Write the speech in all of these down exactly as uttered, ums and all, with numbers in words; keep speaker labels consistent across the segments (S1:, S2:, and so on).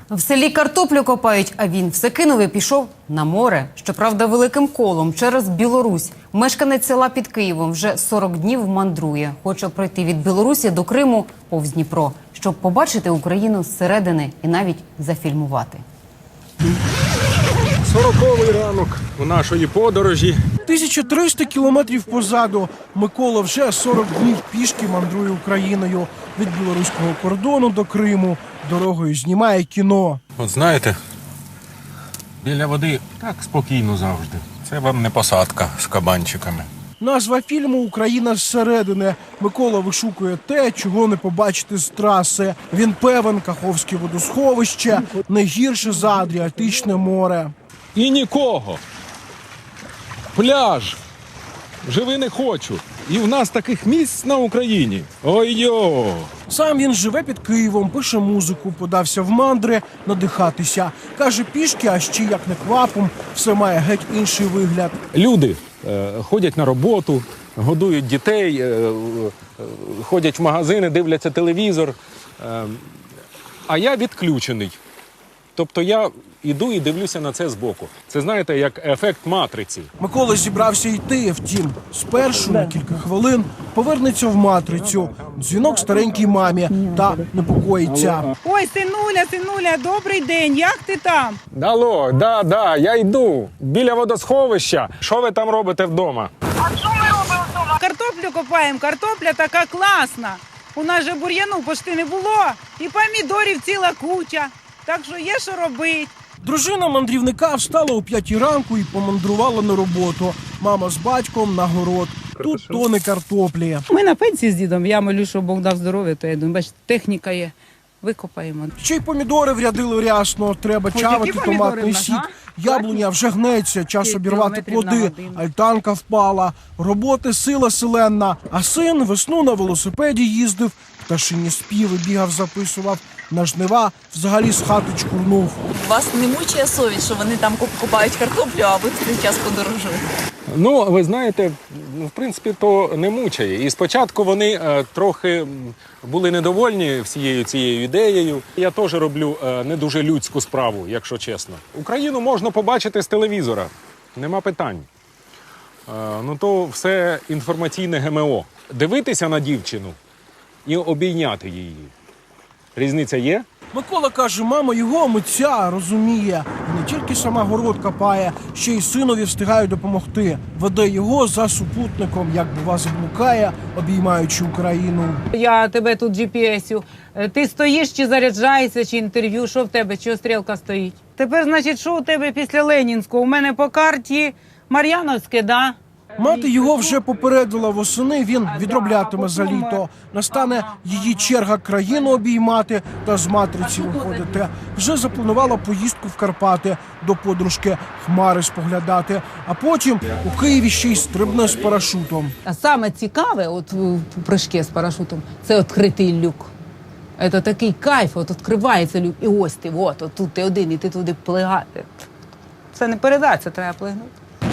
S1: В селі картоплю копають, а він все кинув і пішов на море. Щоправда, великим колом через Білорусь. Мешканець села під Києвом вже сорок днів мандрує. Хоче пройти від Білорусі до Криму повз Дніпро, щоб побачити Україну зсередини і навіть зафільмувати.
S2: Сороковий ранок у нашої подорожі.
S3: тисяча триста кілометрів позаду. Микола вже сорок днів пішки мандрує Україною. Від білоруського кордону до Криму. Дорогою знімає кіно.
S2: От знаєте, біля води так спокійно завжди. Це вам не посадка з кабанчиками.
S3: Назва фільму «Україна зсередини». Микола вишукує те, чого не побачити з траси. Він певен, Каховське водосховище не гірше за Адріатичне море.
S2: І нікого. Пляж. Живи не хочу. І в нас таких місць на Україні. Ой-йо!
S3: Сам він живе під Києвом, пише музику, подався в мандри надихатися. Каже, пішки, а ще як не квапом, все має геть інший вигляд.
S2: Люди е, ходять на роботу, годують дітей, е, е, ходять в магазини, дивляться телевізор. Е, а я відключений. Тобто я йду і дивлюся на це збоку. Це, знаєте, як ефект матриці.
S3: Микола зібрався йти, втім, спершу на кілька хвилин повернеться в матрицю. Дзвінок старенькій мамі та непокоїться.
S4: Ой, синуля, синуля, добрий день, як ти там?
S2: Алло, да, да, я йду. Біля водосховища. Що ви там робите вдома?
S4: А що ми робимо вдома? Картоплю копаємо, картопля така класна. У нас же бур'яну почти не було, і помідорів ціла куча. Так що є що робити.
S3: Дружина мандрівника встала о п'ятій ранку і помандрувала на роботу. Мама з батьком на город. Тут тони картоплі.
S4: Ми на пенсії з дідом, я молю, щоб Бог дав здоров'я, то я думаю, бачите, техніка є, викопаємо.
S3: Ще й помідори врядили рясно. Треба
S4: Ой,
S3: чавити
S4: які помідори
S3: томатний
S4: в нас,
S3: сік.
S4: а?
S3: Яблуня вже гнеться, час
S4: Скільки
S3: обірвати
S4: кілометрів на
S3: плоди.
S4: годину?
S3: Альтанка впала. Роботи сила селенна. А син весну на велосипеді їздив. Пташині співи бігав, записував. На жнива взагалі з хати чкурнув.
S5: Вас не мучає совість, що вони там копають картоплю, а ви в цей час подорожуєте?
S2: Ну, ви знаєте, в принципі, то не мучає. І спочатку вони е, трохи були недовольні всією цією ідеєю. Я теж роблю е, не дуже людську справу, якщо чесно. Україну можна побачити з телевізора, нема питань. Е, ну то все інформаційне ГМО. Дивитися на дівчину і обійняти її. Різниця є?
S3: Микола каже, мама його митця розуміє. І не тільки сама город копає, ще й синові встигає допомогти. Веде його за супутником, як бува заблукає, обіймаючи Україну.
S4: Я тебе тут джі пі ес-ю. Ти стоїш чи заряджаєшся, чи інтерв'ю, що в тебе, чого стрілка стоїть? Тепер, значить, що у тебе після Ленінського? У мене по карті Мар'яновське, да?
S3: Мати його вже попередила восени, він відроблятиме за літо. Настане її черга країну обіймати та з матриці виходити. Вже запланувала поїздку в Карпати, до подружки Хмари споглядати. А потім у Києві ще й стрибне з парашутом.
S4: А саме цікаве, от в прыжки з парашутом, це відкритий люк. Це такий кайф, от відкривається люк, і ось ти, от, от тут ти один, і ти туди плигати. Це не передати, це треба плигнути.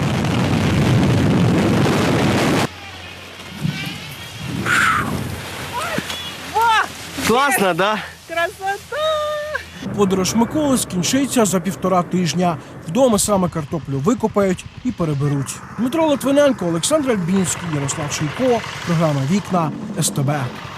S6: Класно, да?
S4: Красота!
S3: Подорож Миколи скінчиться за півтора тижня. Вдома саме картоплю викопають і переберуть. Дмитро Литвиненко, Олександр Альбінський, Ярослав Шийко. Програма «Вікна» ес те бе.